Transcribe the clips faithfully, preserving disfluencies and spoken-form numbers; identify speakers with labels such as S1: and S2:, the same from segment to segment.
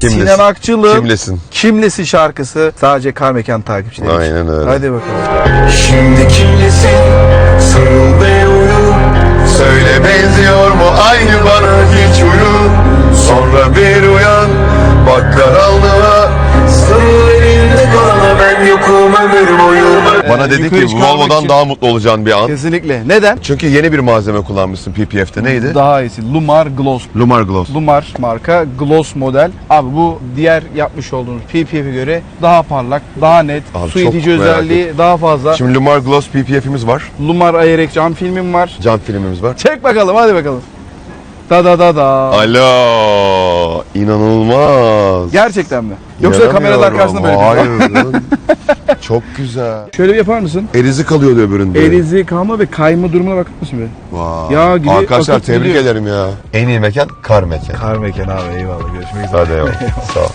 S1: Kimlesin?
S2: Sinan Akçıl'ın
S1: Kimlesin?
S2: Kimlesin şarkısı sadece Kar Mekan takipçileri için.
S1: Aynen öyle.
S2: Hadi bakalım.
S1: Şimdi kimlesin? Sarıl ve uyu. Söyle benziyor mu aynı bana hiç uyu. Sonra bir uyan. Bak karanlığa. Sarıl elinde bana ben yokum ömür boyu. Bana
S2: Ee,
S1: dedi
S2: yukarı
S1: ki
S2: çıkarmak
S1: Volvo'dan
S2: için-
S1: daha mutlu olacağın bir an.
S2: Kesinlikle. Neden?
S1: Çünkü yeni bir malzeme kullanmışsın P P F'te. Neydi?
S2: Daha iyisi. Lumar Gloss.
S1: Lumar Gloss.
S2: Lumar marka Gloss model. Abi bu diğer yapmış olduğunuz P P F'e göre daha parlak, daha net,
S1: Abi
S2: su
S1: çok
S2: itici
S1: merak
S2: özelliği daha fazla.
S1: Şimdi Lumar Gloss P P F'imiz var.
S2: Lumar Ayerek cam filmim var.
S1: Cam filmimiz var.
S2: Çek bakalım, hadi bakalım. Da da da da.
S1: Alo, inanılmaz.
S2: Gerçekten mi? Yoksa kameralar karşısında böyle bir
S1: Hayır. Çok güzel.
S2: Şöyle bir yapar mısın?
S1: Erizi kalıyor diyor öbüründe.
S2: Erizi kalma ve kayma durumuna bakar mısın be?
S1: Vay.
S2: Yağ gibi
S1: Arkadaşlar
S2: akıp
S1: tebrik
S2: gidiyor.
S1: ederim ya. En iyi mekan kar mekan.
S2: Kar Mekan abi, eyvallah, görüşmek üzere.
S1: Hadi eyvallah. Sağ ol.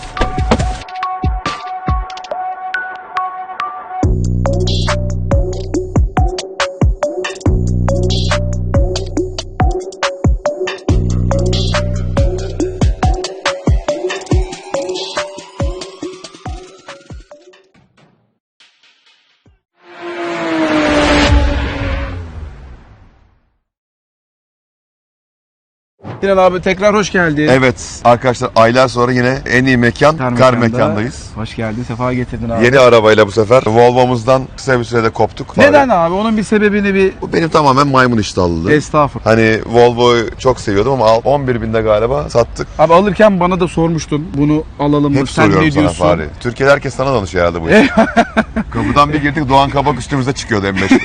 S2: Sinan abi tekrar hoş geldin.
S1: Evet arkadaşlar aylar sonra yine en iyi mekan kar,
S2: Mekanda.
S1: mekandayız.
S2: Hoş geldin, sefa getirdin abi.
S1: Yeni arabayla bu sefer Volvo'muzdan kısa bir sürede koptuk.
S2: Neden abi? Onun bir sebebini bir...
S1: Bu benim tamamen maymun iştahlılığı.
S2: Estağfurullah.
S1: Hani Volvo'yu çok seviyordum ama on bir binde galiba sattık.
S2: Abi alırken bana da sormuştun bunu alalım mı?
S1: Hep
S2: Sen
S1: soruyorum
S2: ne
S1: sana
S2: diyorsun?
S1: Fahri. Türkiye'de herkes sana danışıyor herhalde bu iş. Kapıdan bir girdik Doğan Kabak üstümüze çıkıyordu M beşte.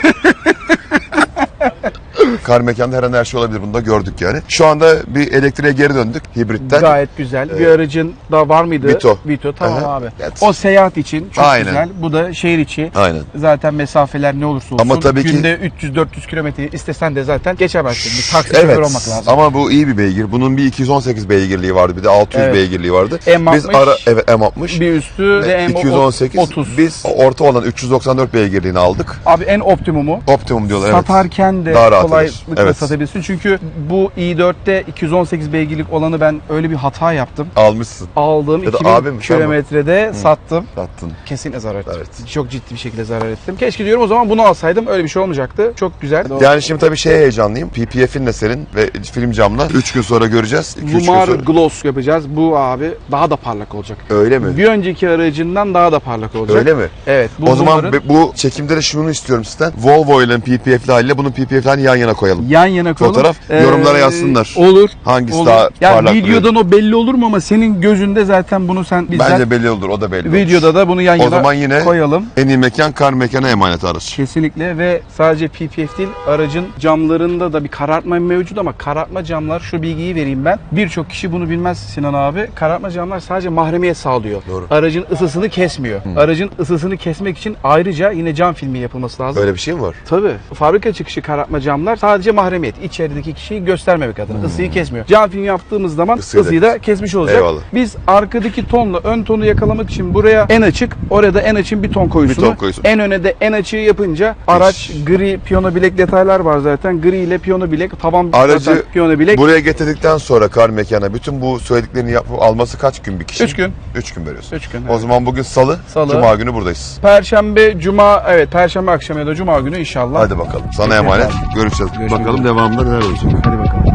S1: Kar mekanda her an her şey olabilir, bunu da gördük yani. Şu anda bir elektriğe geri döndük hibritten.
S2: Gayet güzel. Bir
S1: Ee,
S2: aracın da var mıydı?
S1: Vito.
S2: Vito, tamam
S1: Aha.
S2: abi.
S1: Evet.
S2: O seyahat için çok
S1: Aynen.
S2: güzel. Bu da şehir içi.
S1: Aynen.
S2: Zaten mesafeler ne olursa olsun.
S1: Ama tabii ki-
S2: günde üç yüz dört yüz kilometre istesen de zaten geçemezsin. Bir taksi şoförü
S1: Evet
S2: olmak lazım.
S1: ama bu iyi bir beygir. Bunun bir iki yüz on sekiz beygirliği vardı, bir de altı yüz
S2: Evet.
S1: beygirliği vardı.
S2: M altmış.
S1: Biz ara evet M altmış.
S2: Bir üstü de M
S1: iki yüz on sekiz.
S2: otuz.
S1: Biz orta olan üç yüz doksan dört beygirliğini aldık.
S2: Abi en optimumu.
S1: Optimum diyorlar evet.
S2: Satarken de
S1: Daha rahat
S2: kolaylıkla
S1: eder. Evet.
S2: satabilirsin. Çünkü bu i dörtte iki yüz on sekiz beygirlik olanı ben öyle bir hata yaptım.
S1: Almışsın.
S2: Aldığım
S1: Ya da
S2: iki bin
S1: abim, sen mi?
S2: kilometrede sattım.
S1: Sattın.
S2: Kesinlikle zarar ettim.
S1: Evet.
S2: Çok ciddi bir şekilde zarar ettim. Keşke diyorum o zaman bunu alsaydım, öyle bir şey olmayacaktı. Çok güzel.
S1: Yani şimdi tabii şeye heyecanlıyım. P P F'in de senin ve film camla üç gün sonra göreceğiz. iki üç gün
S2: Lumar
S1: sonra.
S2: Gloss yapacağız. Bu abi daha da parlak olacak.
S1: Öyle mi?
S2: Bir önceki aracından daha da parlak olacak.
S1: Öyle mi?
S2: Evet. Bu
S1: O zaman
S2: Lumar'ın
S1: be- bu çekimde de şunu istiyorum sizden. Volvo ile P P F'li haliyle bunun P P F'lerini yan yana koyalım.
S2: yan yana koyalım.
S1: Fotoğraf, yorumlara yazsınlar.
S2: Olur.
S1: Hangisi
S2: Olur.
S1: daha
S2: Ya
S1: parlak
S2: videodan o belli olur mu, ama senin gözünde zaten bunu sen bizden
S1: Bence belli olur, o da belli olur.
S2: videoda da bunu yan
S1: O
S2: yana
S1: zaman yine
S2: koyalım.
S1: en iyi mekan kar mekana emanet araç.
S2: Kesinlikle. Ve sadece P P F değil, aracın camlarında da bir karartma mevcut, ama karartma camlar, şu bilgiyi vereyim ben. Birçok kişi bunu bilmez Sinan abi. Karartma camlar sadece mahremiyet sağlıyor.
S1: Doğru.
S2: Aracın ısısını kesmiyor. Aracın ısısını kesmek için ayrıca yine cam filmi yapılması lazım.
S1: Öyle bir şey mi var?
S2: Tabii. Fabrika çıkışı karartma camlar sadece mahremiyet. İçerideki kişiyi göstermemek adına. Isıyı kesmiyor. Cam film yaptığımız zaman
S1: Isıyı da
S2: ısıyı da kesmiş olacak.
S1: Eyvallah.
S2: Biz arkadaki tonla ön tonu yakalamak için buraya en açık, orada en açın bir ton koyusunu.
S1: Bir ton koyusu.
S2: En öne de en açığı yapınca araç gri piyano bilek detaylar var zaten. Gri ile piyano bilek, tavan
S1: Aracı
S2: zaten piyano bilek.
S1: buraya getirdikten sonra kar mekana bütün bu söylediklerini yapıp alması kaç gün bir kişi?
S2: Üç gün.
S1: Üç gün veriyorsun.
S2: Üç gün,
S1: O
S2: evet.
S1: zaman bugün salı,
S2: Salı.
S1: cuma günü buradayız.
S2: Perşembe, cuma, evet Perşembe akşamı ya da cuma günü inşallah.
S1: Hadi bakalım. Sana
S2: Peki
S1: emanet.
S2: efendim.
S1: Görüşeceğiz.
S2: Görüşmek
S1: bakalım
S2: üzere.
S1: devamında neler olacak.
S2: Hadi bakalım.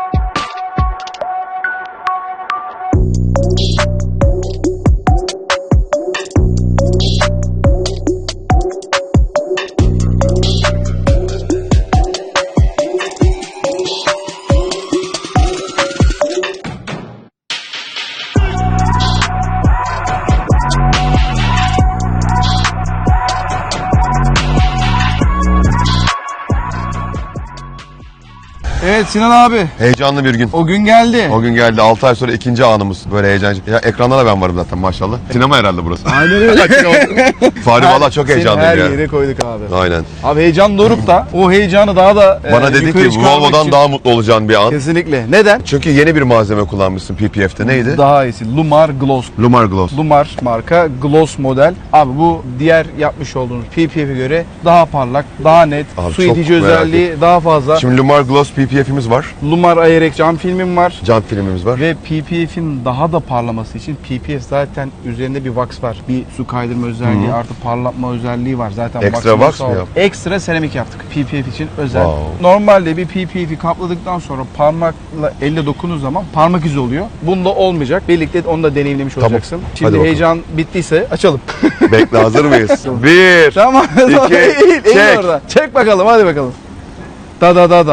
S2: Evet Sinan abi,
S1: Heyecanlı bir gün.
S2: o gün geldi.
S1: O gün geldi. altı ay sonra ikinci anımız. Böyle heyecanlı. Ya ekranda da ben varım zaten maşallah. Sinema herhalde burası.
S2: Aynen öyle.
S1: Fahri valla çok
S2: Seni
S1: heyecanlıyım
S2: her
S1: ya.
S2: yere koyduk abi.
S1: Aynen.
S2: Abi heyecan doruk da o heyecanı daha da
S1: Bana
S2: e,
S1: dedi
S2: yukarı
S1: ki
S2: çıkarmak
S1: Volvo'dan
S2: için-
S1: daha mutlu olacağın bir an.
S2: Kesinlikle. Neden?
S1: Çünkü yeni bir malzeme kullanmışsın P P F'te. Neydi?
S2: Daha iyisi. Lumar Gloss.
S1: Lumar Gloss.
S2: Lumar marka Gloss model. Abi bu diğer yapmış olduğunuz P P F'e göre daha parlak, daha net,
S1: Abi
S2: su
S1: çok
S2: itici
S1: merak
S2: özelliği daha fazla.
S1: Şimdi Lumar Gloss P P F'imiz camlarımız var.
S2: Lumar Ayrek cam filmim var.
S1: Cam filmimiz var.
S2: Ve P P F'in daha da parlaması için P P F zaten üzerinde bir wax var. Bir su kaydırma özelliği
S1: Hı.
S2: artı parlatma özelliği var. Zaten
S1: Ekstra
S2: wax'ını
S1: wax
S2: sağ-
S1: mı yaptın?
S2: Ekstra seramik yaptık. P P F için özel.
S1: Wow.
S2: Normalde bir P P F'i kapladıktan sonra parmakla elle dokunduğu zaman parmak izi oluyor. Bunda olmayacak. Birlikte onu da deneyimlemiş
S1: Tamam.
S2: olacaksın.
S1: Hadi
S2: Şimdi
S1: bakalım.
S2: heyecan bittiyse açalım.
S1: Bekle, hazır mıyız? Bir.
S2: Tamam.
S1: İki,
S2: eğil, eğil
S1: çek.
S2: orada. Çek bakalım, hadi bakalım. Da da da da.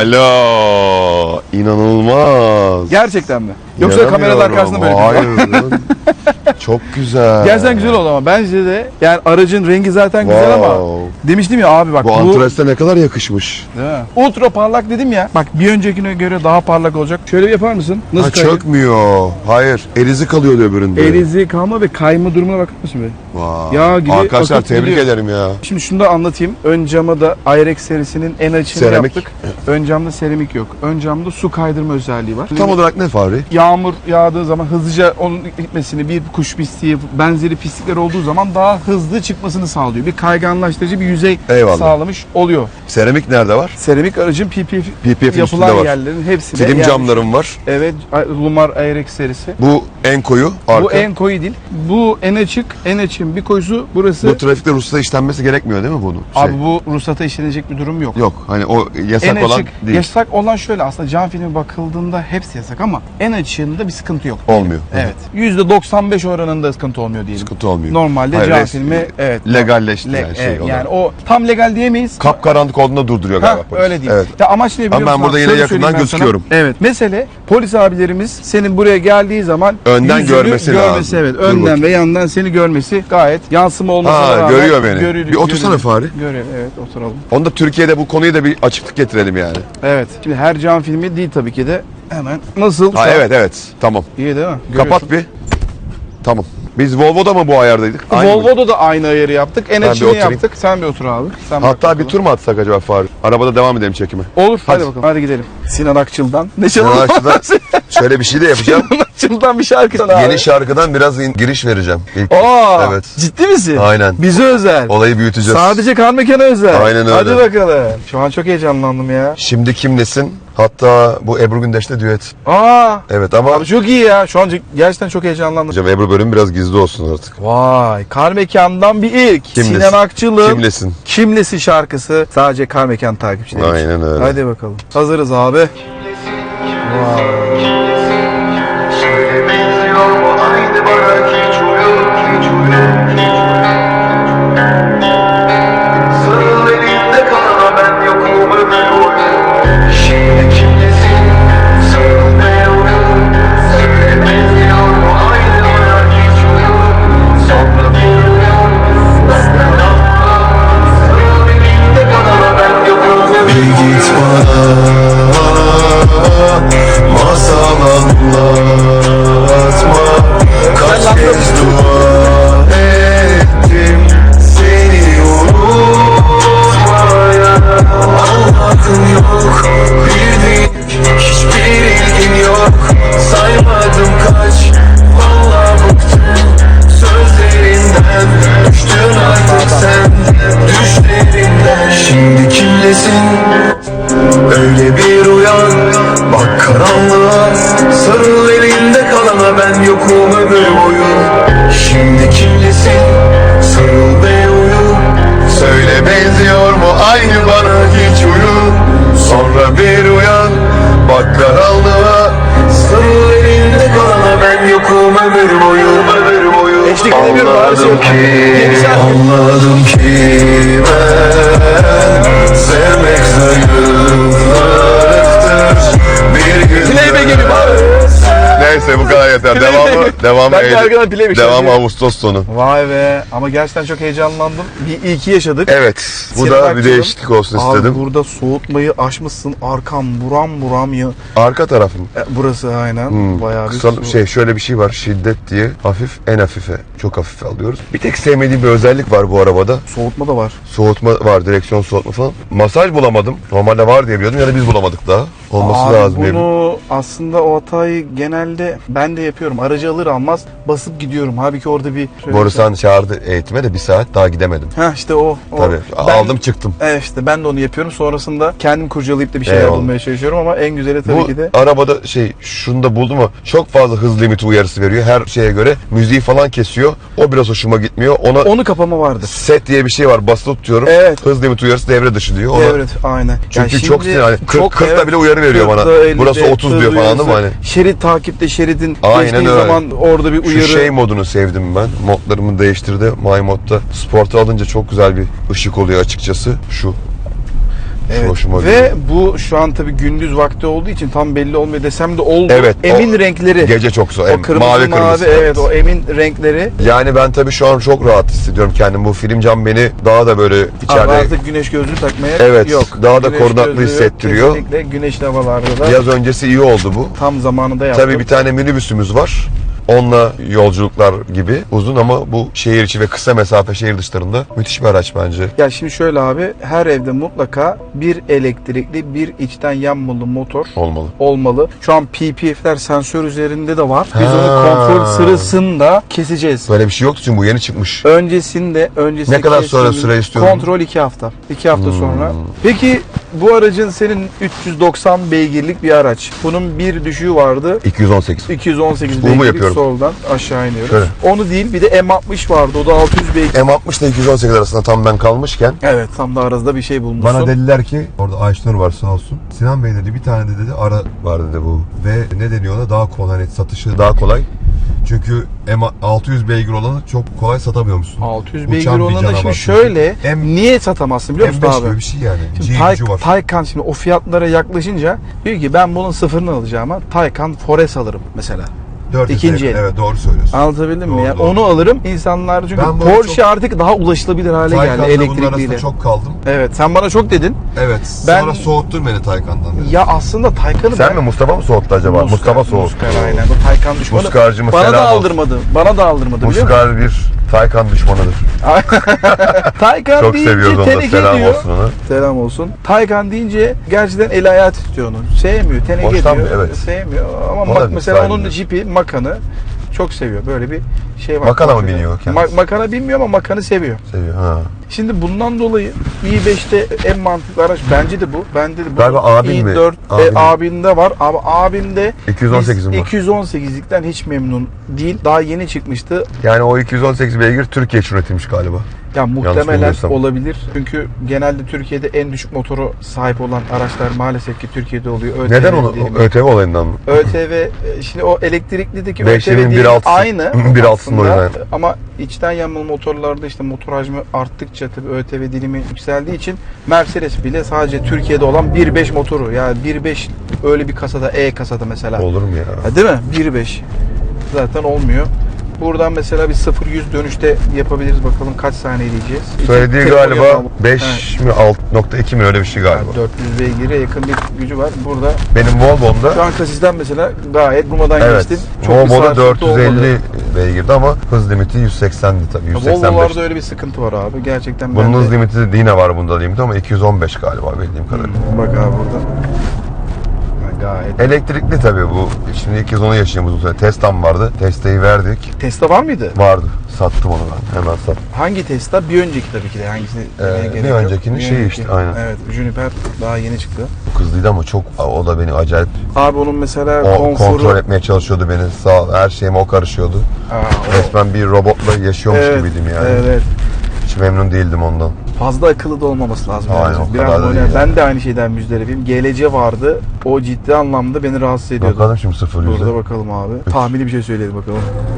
S1: Alo. İnanılmaz.
S2: Gerçekten mi? Yoksa kameranın arkasında böyle
S1: Hayır.
S2: bir
S1: lan. Çok güzel.
S2: Gerçekten güzel oldu ama bence de yani aracın rengi zaten güzel ama
S1: Wow.
S2: demiştim ya abi bak
S1: Bu
S2: bu,
S1: antreste ne kadar yakışmış.
S2: Değil mi? Ultra parlak dedim ya. Bak bir öncekine göre daha parlak olacak. Şöyle bir yapar mısın? Nasıl
S1: Ha,
S2: kayıyor?
S1: çökmüyor. Hayır. Erizi kalıyor öbüründe.
S2: Erizi kalma ve kayma durumuna bakar mısın be?
S1: Vay.
S2: Yağ gibi
S1: Arkadaşlar
S2: akıp
S1: tebrik
S2: gidiyor.
S1: ederim ya.
S2: Şimdi şunu da anlatayım. Ön cama da Ayrex serisinin en açığını
S1: Seramik.
S2: yaptık. Ön camda seramik yok. Ön camda su kaydırma özelliği var.
S1: Tam olarak ne Fahri?
S2: Yağmur yağdığı zaman hızlıca onun gitmesini, bir kuş pisliği, benzeri pislikler olduğu zaman daha hızlı çıkmasını sağlıyor. Bir kayganlaştırıcı bir yüzey
S1: Eyvallah.
S2: sağlamış oluyor.
S1: Seramik nerede var?
S2: Seramik aracın P P F,
S1: P P F'in
S2: yapılan
S1: üstünde var.
S2: yerlerin hepsinde.
S1: Film
S2: yani-
S1: camlarım var.
S2: Evet, Lumar Ayrex serisi.
S1: Bu en koyu arka.
S2: Bu en koyu değil. Bu en açık, en açığın bir koyusu burası.
S1: Bu trafikte ruhsata işlenmesi gerekmiyor değil mi bunun? Şey.
S2: Abi bu ruhsata işlenecek bir durum yok.
S1: Yok hani o yasak
S2: En
S1: olan
S2: açık,
S1: değil.
S2: yasak olan şöyle aslında cam filmi bakıldığında hepsi yasak ama en açığında bir sıkıntı yok.
S1: Olmuyor.
S2: Evet. yüzde doksan beş oranında sıkıntı olmuyor diyelim.
S1: Sıkıntı olmuyor.
S2: Normalde
S1: Hayır,
S2: cam
S1: res-
S2: filmi evet.
S1: legalleşti
S2: Le-
S1: yani şey
S2: evet,
S1: olarak.
S2: yani o tam legal diyemeyiz.
S1: Kapkaranlık olduğunda durduruyor
S2: Ha,
S1: galiba polis.
S2: öyle değil.
S1: Evet.
S2: Ya amaç ne biliyor
S1: Ama ben
S2: musun?
S1: burada yine
S2: Şöyle
S1: yakından
S2: söyleyeyim ben sana.
S1: gözüküyorum.
S2: Evet. Mesele polis abilerimiz senin buraya geldiği zaman
S1: Önden
S2: yüzünü
S1: görmesi
S2: görmesi
S1: lazım.
S2: evet.
S1: Dur
S2: Önden
S1: bakayım.
S2: ve yandan seni görmesi gayet yansıma olmasına
S1: Ha,
S2: rağmen
S1: görüyor beni.
S2: görü-
S1: Bir otursana
S2: görüyor.
S1: Fahri.
S2: Görüyor evet oturalım.
S1: Onda Türkiye'de bu konuyu da bir açıklık getirelim yani.
S2: Evet. Şimdi her cam filmi değil tabii ki de. Hemen nasıl?
S1: Ha evet evet tamam.
S2: İyi değil mi?
S1: Kapat bir. Tamam. Biz Volvo'da mı bu ayardaydık? Aynı mı?
S2: Volvo'da da aynı ayarı yaptık. En
S1: Ben bir
S2: açığını
S1: oturayım.
S2: yaptık. Sen bir otur abi. Sen bak
S1: Hatta bir
S2: bakalım.
S1: tur mu atsak acaba Fahri? Arabada devam edelim çekime.
S2: Olur. Hadi,
S1: Hadi.
S2: bakalım. Hadi gidelim. Sinan Akçıl'dan. Ne
S1: Sinan
S2: çalalım?
S1: Akçıl'dan şöyle bir şey de yapacağım.
S2: Sinan Akçıl'dan bir şarkı sana abi.
S1: Yeni şarkıdan biraz in- giriş vereceğim. İlk.
S2: Aa,
S1: Evet.
S2: ciddi misin?
S1: Aynen.
S2: Bize özel.
S1: Olayı büyüteceğiz.
S2: Sadece kar mekanı özel.
S1: Aynen öyle.
S2: Hadi bakalım. Şu an çok heyecanlandım ya.
S1: Şimdi kimlesin? Hatta bu Ebru Gündeş'le düet.
S2: Aa,
S1: Evet ama
S2: abi çok iyi ya. Şu an gerçekten çok heyecanlandım.
S1: hocam Ebru bölümü biraz gizli olsun artık.
S2: Vay, kar mekandan bir ilk.
S1: Kimlesin?
S2: Sinan Akçıl'ın
S1: Kimlesin?
S2: Kimlesin şarkısı sadece kar mekan takipçileri için.
S1: Aynen öyle.
S2: Hadi bakalım. Hazırız abi. Vay.
S3: Şöyle benziyor mu aynı bana hiç uyur hiç uyur hiç uyur Sarıl elinde kalana ben yokum ömür boyu Şimdi kimlesin sarıl ve uyur Şöyle benziyor mu aynı bana hiç uyur Sonra bir uyan benden anla Sarıl elinde kalana ben yokum ömür
S1: Bir git bana masal anlatma. Kaç kez dua ettim seni unutmaya. Anladın yok bildiğin hiçbir ilgin yok. Saymadım kaç vallahi bıktım sözlerinden. Düştün artık sen düşlerinden. Şimdi kimlesin? Öyle bir uyan, bak karanlığa. Sarıl elinde kalana ben yokum ömür boyu. Şimdi kimlesin? Sarıl ve uyu. Söyle benziyor mu aynı bana hiç uyu. Sonra bir uyan bak karanlığa.
S3: Sarıl elinde kalana ben yokum ömür boyu, ömür boyu.
S2: Eşlik edemiyorum abi.
S1: Anladım ki,
S2: Yeni şarkı.
S1: anladım ki ben sevmek zayıflıktır. Bir gün
S2: Playback gibi abi.
S1: Neyse bu kadar yeter. Devamı, devamı,
S2: Ben de
S1: Eylül-
S2: arkadan playback
S1: devamı
S2: çalıyorum.
S1: Ağustos sonu.
S2: Vay be. Ama gerçekten çok heyecanlandım. Bir ilki yaşadık.
S1: Evet, bu
S2: Sinan
S1: da bir
S2: Akçıl'ın-
S1: değişiklik olsun
S2: Abi
S1: istedim.
S2: burada soğutmayı aşmışsın. Arkam buram buram ya.
S1: Arka tarafım.
S2: E, burası aynen.
S1: Hmm,
S2: Bayağı bir
S1: kısa
S2: su-
S1: şey şöyle bir şey var, şiddet diye hafif en hafife çok hafife alıyoruz. Bir tek sevmediğim bir özellik var bu arabada.
S2: Soğutma da var.
S1: Soğutma var, direksiyon soğutma falan. Masaj bulamadım. Normalde var diye biliyordum ya da biz bulamadık daha. olması
S2: Abi
S1: lazım.
S2: bunu aslında o hatayı genelde ben de yapıyorum. Aracı alır almaz basıp gidiyorum. Halbuki orada bir...
S1: Borusan çağırdı eğitime de bir saat daha gidemedim.
S2: Ha işte o. o.
S1: Tabii
S2: Ben-
S1: aldım çıktım.
S2: Evet işte ben de onu yapıyorum. Sonrasında kendim kurcalayıp da bir şeyler
S1: Eyvallah.
S2: bulmaya çalışıyorum ama en güzeli tabii
S1: Bu
S2: ki de...
S1: arabada şey şunu da buldum ama çok fazla hız limiti uyarısı veriyor her şeye göre. Müziği falan kesiyor. O biraz hoşuma gitmiyor. Ona
S2: Onu kapama vardır.
S1: set diye bir şey var. Basılı tutuyorum.
S2: Evet.
S1: Hız limiti uyarısı devre dışı diyor. Ona,
S2: Evet aynen.
S1: Çünkü
S2: Yani
S1: çok
S2: şimdi
S1: sinir. Hani kırk,
S2: çok-
S1: kırkta
S2: evet,
S1: bile uyarı veriyor bana.
S2: kırkta, ellide
S1: Burası otuz diyor
S2: hız
S1: falan değil mi? Hani
S2: uyarısı. Şerit takipte şeridin
S1: Aynen
S2: geçtiği
S1: öyle.
S2: zaman orada bir
S1: şu
S2: uyarı.
S1: şey modunu sevdim ben. Modlarımı değiştirdi. My Mod'da Sport'a alınca çok güzel bir ışık oluyor açıkçası. Şu. Şu
S2: Evet.
S1: hoşuma
S2: Ve
S1: gidiyor.
S2: bu şu an tabii gündüz vakti olduğu için tam belli olmuyor desem de oldu.
S1: Evet,
S2: Emin
S1: o
S2: renkleri.
S1: Gece çok zor.
S2: o
S1: Em-
S2: kırmızı
S1: mavi
S2: mavi,
S1: kırmızı.
S2: evet o emin renkleri.
S1: Yani ben tabii şu an çok rahat hissediyorum kendimi. Bu film cam beni daha da böyle
S2: Abi
S1: içeride
S2: artık güneş gözlüğü takmaya
S1: Evet,
S2: yok.
S1: daha da
S2: Güneş
S1: korunaklı
S2: gözlüğü
S1: hissettiriyor.
S2: Kesinlikle güneşli havalarda da
S1: yaz öncesi iyi oldu bu.
S2: tam zamanında yaptım.
S1: Tabii bir tane minibüsümüz var. Onunla yolculuklar gibi uzun ama bu şehir içi ve kısa mesafe şehir dışlarında müthiş bir araç bence.
S2: Ya şimdi şöyle abi, her evde mutlaka bir elektrikli, bir içten yanmalı motor
S1: Olmalı.
S2: olmalı. Şu an P P F'ler sensör üzerinde de var. Biz
S1: Ha.
S2: onu kontrol sırasında keseceğiz.
S1: Böyle bir şey yoktu çünkü bu yeni çıkmış.
S2: Öncesinde, öncesinde
S1: Ne kadar sonra
S2: kestiğimiz
S1: süre istiyorum?
S2: Kontrol iki hafta. iki hafta
S1: Hmm.
S2: sonra. Peki bu aracın senin üç yüz doksan beygirlik bir araç. Bunun bir düşüğü vardı.
S1: iki yüz on sekiz.
S2: iki yüz on sekiz
S1: Bu mu
S2: beygirlik
S1: yapıyorum?
S2: soldan aşağı iniyoruz.
S1: Şöyle.
S2: Onu değil, bir de M altmış vardı. O da altı yüz beygir.
S1: M altmış ile iki yüz on sekiz arasında tam ben kalmışken
S2: Evet, tam da arasında bir şey bulmuşsun.
S1: bana dediler ki orada Ayşenur var sağ olsun. Sinan Bey dedi bir tane de dedi ara var dedi bu. Ve ne deniyor ona daha kolay hani satışı daha kolay. Çünkü M altı yüz beygir olanı çok kolay satamıyormuşsun.
S2: altı yüz
S1: Uçan
S2: beygir
S1: bir
S2: olanı da
S1: canavar
S2: şimdi
S1: çünkü.
S2: şöyle,
S1: M-
S2: niye satamazsın biliyor musun
S1: M beş
S2: abi?
S1: gibi bir şey yani.
S2: Şimdi
S1: G
S2: Tay-
S1: gücü var.
S2: Taycan şimdi o fiyatlara yaklaşınca diyor ki ben bunun sıfırını alacağım ama Taycan Forest alırım mesela.
S1: dört yüz
S2: ikinci el.
S1: Evet doğru söylüyorsun.
S2: Anlatabildim mi?
S1: Doğru,
S2: Yani
S1: doğru.
S2: onu alırım. İnsanlar çünkü
S1: Ben böyle
S2: Porsche
S1: çok-
S2: artık daha ulaşılabilir hale geldi
S1: Taycan'da bunun arasında
S2: elektrikliyle.
S1: çok kaldım.
S2: Evet, sen bana çok dedin.
S1: Evet.
S2: Ben-
S1: Sonra soğuttun beni Taycan'dan. dedi.
S2: Ya aslında Taycan'ı
S1: Sen
S2: ben...
S1: mi Mustafa mı soğuttu acaba?
S2: Muskar,
S1: Mustafa soğuttu.
S2: Muskar aynen. Bu Taycan düşmanı.
S1: Muskarcıma
S2: Bana da
S1: selam olsun.
S2: aldırmadı. Bana da aldırmadı biliyor musun?
S1: Muskar bir Taycan düşmanıdır.
S2: Taycan
S1: Çok
S2: deyince
S1: seviyoruz onu da.
S2: teneke
S1: Selam
S2: diyor.
S1: olsun ona.
S2: Selam olsun. Taycan deyince gerçekten el ayağı titriyor onu. Sevmiyor. Teneke
S1: Hoşlanmıyor,
S2: diyor.
S1: evet.
S2: Sevmiyor. Ama
S1: O da
S2: mak-
S1: bir
S2: mesela
S1: saygı.
S2: onun jipi, Makan'ı çok seviyor. Böyle bir şey var.
S1: Makana mı
S2: Porsche'de.
S1: biniyor kendisi?
S2: Ma- Makan'a binmiyor ama Makan'ı seviyor.
S1: Seviyor ha.
S2: Şimdi bundan dolayı i beşte en mantıklı araç bence de bu. Bende de bu.
S1: Galiba abin mi?
S2: i dört
S1: Abin.
S2: e, abinde var. Abi abimde
S1: iki yüz on sekizim
S2: biz
S1: var.
S2: iki yüz on sekizlikten hiç memnun değil. Daha yeni çıkmıştı.
S1: Yani o iki yüz on sekiz beygir Türkiye için üretilmiş galiba.
S2: Ya muhtemelen
S1: bilmiyorsam.
S2: olabilir. Çünkü genelde Türkiye'de en düşük motoru sahip olan araçlar maalesef ki Türkiye'de oluyor. ÖTV
S1: Neden onu?
S2: diyelim.
S1: ÖTV olayından mı?
S2: ÖTV e, şimdi o elektriklideki
S1: Beşlerin
S2: ÖTV
S1: bir
S2: değil
S1: altısı.
S2: aynı
S1: Bir altısında
S2: aslında.
S1: oynayan.
S2: Ama içten yanmalı motorlarda işte motor hacmi arttıkça tabii ÖTV dilimi yükseldiği için Mercedes bile sadece Türkiye'de olan bir beş motoru, yani bir beş öyle bir kasada, E kasada mesela.
S1: Olur mu ya?
S2: Ha, değil mi? bir beş zaten olmuyor. Buradan mesela bir sıfır yüz dönüşte yapabiliriz, bakalım kaç saniye diyeceğiz.
S1: Söylediği
S2: İki- telefon
S1: galiba
S2: yapalım.
S1: beş mi altı nokta iki mi öyle bir şey
S2: Evet,
S1: galiba.
S2: dört yüz beygire yakın bir gücü var. Burada
S1: Benim Volvo'mda
S2: şu an kasisten mesela gayet durmadan
S1: evet.
S2: geçtin. bir
S1: Volvo'da
S2: sarsıntı
S1: dört yüz elli
S2: olmadı.
S1: beygirdi ama hız limiti yüz seksendi tabii. yüz seksen beş.
S2: Volvo'larda öyle bir sıkıntı var abi. Gerçekten
S1: Bunun
S2: ben
S1: hız
S2: de...
S1: limiti de yine var bunda limiti ama iki yüz on beş galiba bildiğim kadarıyla.
S2: Bak abi burada. Ha, gayet.
S1: Elektrikli tabii bu. Şimdi ilk kez onu yaşayayım uzun süre. Teslam vardı. Testeyi verdik.
S2: Tesla var mıydı?
S1: Vardı. Sattım onu ben. Hemen sattım.
S2: Hangi Tesla? Bir önceki tabii ki de. Hangisini demeye
S1: Ee,
S2: gerek
S1: bir
S2: yok.
S1: öncekinin şeyi
S2: önceki.
S1: işte, aynen.
S2: Evet. Juniper daha yeni çıktı.
S1: Bu kızlıydı ama çok o da beni acayip
S2: Abi onun mesela
S1: o
S2: konforu...
S1: kontrol etmeye çalışıyordu beni. Sağ ol, her şeyime o karışıyordu.
S2: Aa, o-
S1: Resmen bir robotla yaşıyormuş
S2: Evet,
S1: gibiydim yani.
S2: Evet, evet.
S1: Hiç memnun değildim ondan.
S2: Fazla akıllı da olmaması lazım.
S1: Aynen,
S2: yani.
S1: o
S2: Biraz
S1: kadar da
S2: böyle-
S1: değil
S2: ben
S1: yani.
S2: de aynı şeyden müzdaribim. G L C vardı. O ciddi anlamda beni rahatsız ediyordu.
S1: Bakalım şimdi sıfır yüze.
S2: Burada bakalım abi. Tahmini bir şey söyleyelim bakalım.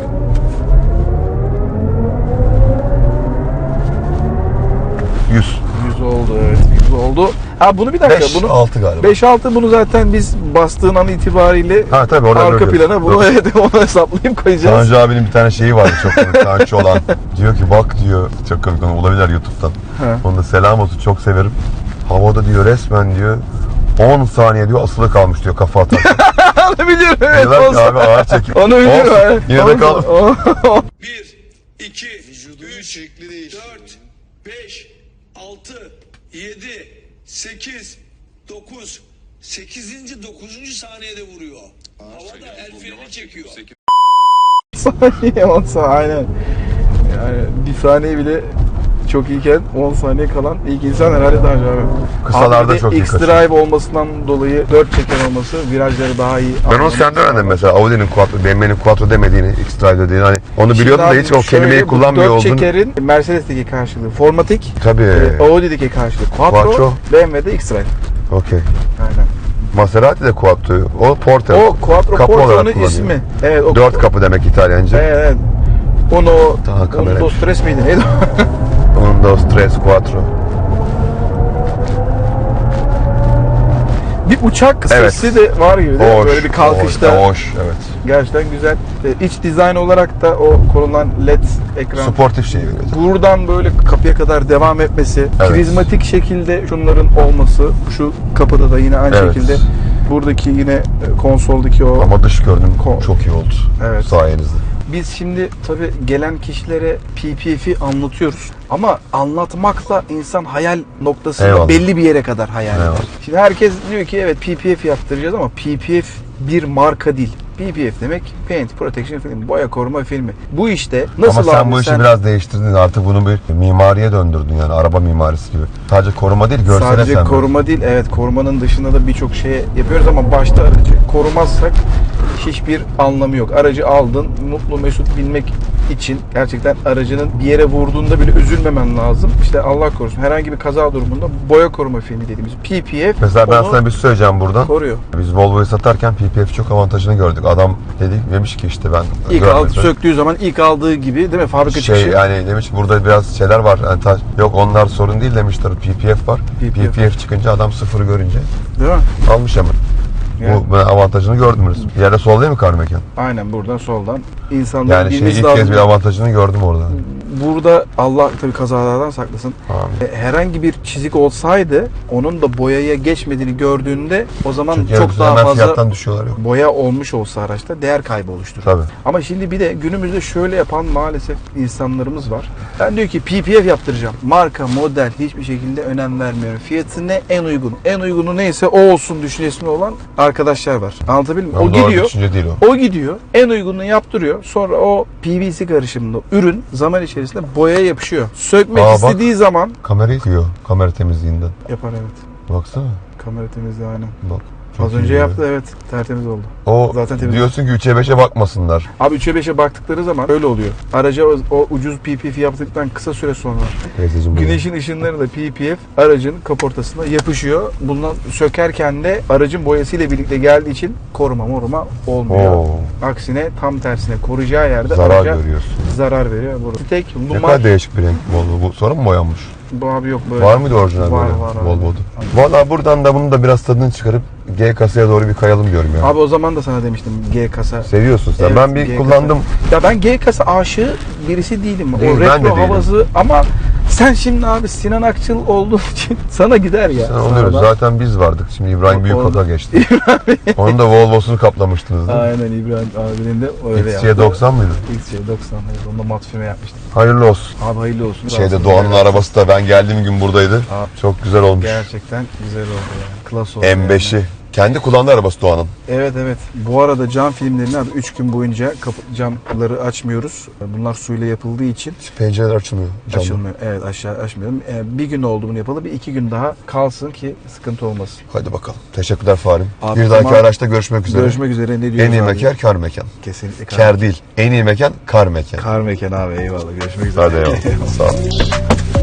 S1: yüz.
S2: yüz oldu, evet. yüz oldu. Ha bunu bir dakika.
S1: beş
S2: bunu
S1: altı galiba.
S2: beş altı bunu zaten biz bastığın an itibariyle
S1: Ha tabii oradan
S2: arka
S1: görüyoruz.
S2: plana bunu
S1: Yok.
S2: evet, onu hesaplayıp koyacağız.
S1: Tanju abinin bir tane şeyi vardı çok komik. Tanju olan. Diyor ki bak diyor. Çok komik, onu bulabilirler YouTube'dan.
S2: He.
S1: Onu da selam olsun, çok severim. Havada diyor resmen diyor on saniye diyor asılı kalmış diyor kafa atarken.
S2: Onu biliyorum evet.
S1: Diyorlar ki
S2: olsun.
S1: abi ağır çekim.
S2: Onu biliyorum.
S1: Olsun,
S2: evet.
S1: yine de
S2: Olsun.
S1: kal.
S2: O-
S4: bir, iki, üç, dört, beş, altı, yedi, sekiz, dokuz, sekizinci dokuzuncu saniyede vuruyor. Havada el freni çekiyor.
S2: Saniye on saniye aynen. Yani bir saniye bile çok iyiken on saniye kalan ilk insan herhalde daha önce abi.
S1: Kısalarda
S2: Abi bir de
S1: çok iyi
S2: X-Drive olmasından dolayı dört çeker olması virajları daha iyi.
S1: Ben onu senden öğrendim mesela. Audi'nin Quattro, B M W'nin Quattro demediğini, X-Drive dediğini. Hani onu biliyordum da hiç o kelimeyi kullanmıyor
S2: oldun.
S1: oldun.
S2: dört çekerin Mercedes'teki karşılığı Formatic,
S1: Tabii.
S2: e, Audi'deki karşılığı Quattro,
S1: Quattro.
S2: B M W'de X-Drive.
S1: Okey.
S2: Aynen.
S1: Maserati de Quattro. O Porter.
S2: O Quattro
S1: kapı
S2: Porto'nun
S1: olarak kullanıyor.
S2: ismi. Evet, o
S1: Dört kapı demek İtalyanca.
S2: Evet, evet. Uno,
S1: Daha kamera-
S2: Uno Stres miydi neydi?
S1: Un, dos, tres, cuatro.
S2: Bir uçak
S1: Evet.
S2: sesi de var gibi değil mi?
S1: Hoş.
S2: Böyle bir kalkışta.
S1: Hoş, hoş, evet.
S2: Gerçekten güzel. E, İç dizayn olarak da o konulan led ekran.
S1: Sportif şey veriyor.
S2: Buradan böyle kapıya kadar devam etmesi,
S1: Evet.
S2: prizmatik şekilde şunların olması, şu kapıda da yine aynı
S1: Evet.
S2: şekilde buradaki yine e, konsoldaki o.
S1: Ama dış görünüm
S2: Ko-
S1: çok iyi oldu.
S2: Evet.
S1: Sayenizde.
S2: Biz şimdi tabii gelen kişilere P P F'i anlatıyoruz. Ama anlatmakla insan hayal noktasında
S1: Eyvallah.
S2: belli bir yere kadar hayal eder.
S1: Eyvallah.
S2: Şimdi herkes diyor ki evet P P F yaptıracağız ama P P F bir marka değil. P P F demek Paint Protection Film, boya koruma filmi. Bu işte nasıl
S1: Ama sen
S2: abi
S1: bu işi
S2: sen
S1: biraz değiştirdin. Artık bunu bir mimariye döndürdün yani. Araba mimarisi gibi. Sadece koruma değil, görsele
S2: sadece
S1: sen
S2: koruma değil, evet korumanın dışında da birçok şey yapıyoruz ama başta aracı korumazsak hiçbir anlamı yok. Aracı aldın, mutlu mesut binmek için gerçekten aracının bir yere vurduğunda bile üzülmemen lazım. İşte Allah korusun herhangi bir kaza durumunda boya koruma filmi dediğimiz P P F
S1: Mesela ben
S2: onu
S1: sana bir şey söyleyeceğim buradan.
S2: koruyor.
S1: Biz Volvo'yu satarken P P F çok avantajını gördük. Adam dedi demiş ki işte ben
S2: İlk
S1: görmedim.
S2: aldı, söktüğü zaman ilk aldığı gibi değil mi? Fabrika
S1: şey
S2: çıkışı.
S1: yani demiş ki burada biraz şeyler var. Yani ta- yok onlar sorun değil demişler. P P F var.
S2: P P F.
S1: P P F çıkınca adam sıfırı görünce
S2: Değil mi?
S1: almış hemen.
S2: Yani.
S1: Bu ben avantajını gördüm. Bir yerde sol değil mi kar mekan?
S2: Aynen buradan soldan insanların
S1: Yani şey
S2: bilmesi
S1: ilk
S2: lazım.
S1: kez bir avantajını gördüm orada.
S2: Burada Allah tabii kazalardan saklasın.
S1: Amin.
S2: E, Herhangi bir çizik olsaydı onun da boyaya geçmediğini gördüğünde o zaman
S1: Çünkü
S2: çok daha
S1: hemen
S2: fazla
S1: fiyattan düşüyorlar yok.
S2: boya olmuş olsa araçta değer kaybı oluşturur.
S1: Tabii.
S2: Ama şimdi bir de günümüzde şöyle yapan maalesef insanlarımız var. Ben diyor ki P P F yaptıracağım. Marka, model hiçbir şekilde önem vermiyorum. Fiyatı ne? En uygun. En uygunu neyse o olsun düşüncesinde olan arkadaşlar var. Anlatabildim mi?
S1: Ama
S2: O
S1: doğru
S2: gidiyor.
S1: düşünce değil o.
S2: O gidiyor. En uygununu yaptırıyor. Sonra o P V C karışımında ürün zaman içerisinde boyaya yapışıyor. Sökmek
S1: Aa, bak.
S2: istediği zaman
S1: Kamerayı yıkıyor. Kamera temizliğinden.
S2: yapar evet.
S1: Baksana.
S2: Kamera temizliği aynen.
S1: Bak. çok
S2: Az
S1: iyi
S2: önce
S1: böyle.
S2: yaptı evet. Tertemiz oldu.
S1: O
S2: Zaten temiz.
S1: diyorsun ki üçe beşe bakmasınlar.
S2: Abi üçe beşe baktıkları zaman öyle oluyor. Araca o, o ucuz P P F yaptıktan kısa süre sonra
S1: Teyzeciğim böyle.
S2: güneşin ışınlarıyla P P F aracın kaportasına yapışıyor. Bundan sökerken de aracın boyasıyla birlikte geldiği için koruma moruma olmuyor.
S1: Oo.
S2: Aksine tam tersine koruyacağı yerde
S1: Zarar
S2: araca
S1: görüyorsun.
S2: zarar veriyor. Burada. Tek
S1: Ne
S2: numar
S1: kadar değişik bir renk Volvo. Bu sonra mı boyanmış?
S2: bu abi yok böyle.
S1: Var mıydı orijinal
S2: Var,
S1: böyle
S2: var abi.
S1: Volvo'da? Valla buradan da bunun da biraz tadını çıkarıp G kasaya doğru bir kayalım diyorum ya.
S2: Abi o zaman da sana demiştim G kasa.
S1: Seviyorsun sen.
S2: Evet,
S1: ben bir
S2: G
S1: kullandım.
S2: kasa. Ya ben G kasa aşığı birisi değilim.
S1: Değil,
S2: o
S1: ben de
S2: retro
S1: değilim.
S2: havası ama sen şimdi abi Sinan Akçıl olduğun için sana gider ya.
S1: Sen oluyoruz.
S2: Sana da.
S1: Zaten biz vardık. Şimdi İbrahim
S2: O-
S1: Büyükak'a geçti. Onun da Volvo'sunu kaplamıştınız değil mi?
S2: Aynen İbrahim abinin de öyle
S1: X C
S2: yaptı.
S1: doksan mıydı?
S2: X C doksan. Evet, onu da mat füme yapmıştım.
S1: Hayırlı olsun.
S2: Abi hayırlı olsun.
S1: Şeyde
S2: Olsun.
S1: Doğan'ın arabası da ben geldiğim gün buradaydı.
S2: Abi.
S1: Çok güzel olmuş.
S2: Gerçekten güzel oldu yani. Klas oldu.
S1: M beşi.
S2: yani.
S1: Kendi kullandığı arabası Doğan'ın.
S2: Evet evet. Bu arada cam filmlerini abi üç gün boyunca kapı, camları açmıyoruz. Bunlar suyla yapıldığı için
S1: Pencereler açılmıyor. Camlar.
S2: açılmıyor. Evet aşağı açmıyorum. Ee, bir gün oldu bunu yapalı. Bir iki gün daha kalsın ki sıkıntı olmasın.
S1: Hadi bakalım. Teşekkürler Farim.
S2: Abi,
S1: bir dahaki
S2: tamam.
S1: araçta görüşmek üzere.
S2: Görüşmek üzere. Ne diyoruz
S1: En iyi
S2: abi?
S1: mekan kar mekan.
S2: Kesinlikle kar.
S1: Kar değil. En iyi mekan kar mekan.
S2: Kar mekan abi eyvallah. Görüşmek üzere.
S1: Hadi eyvallah. Sağ ol.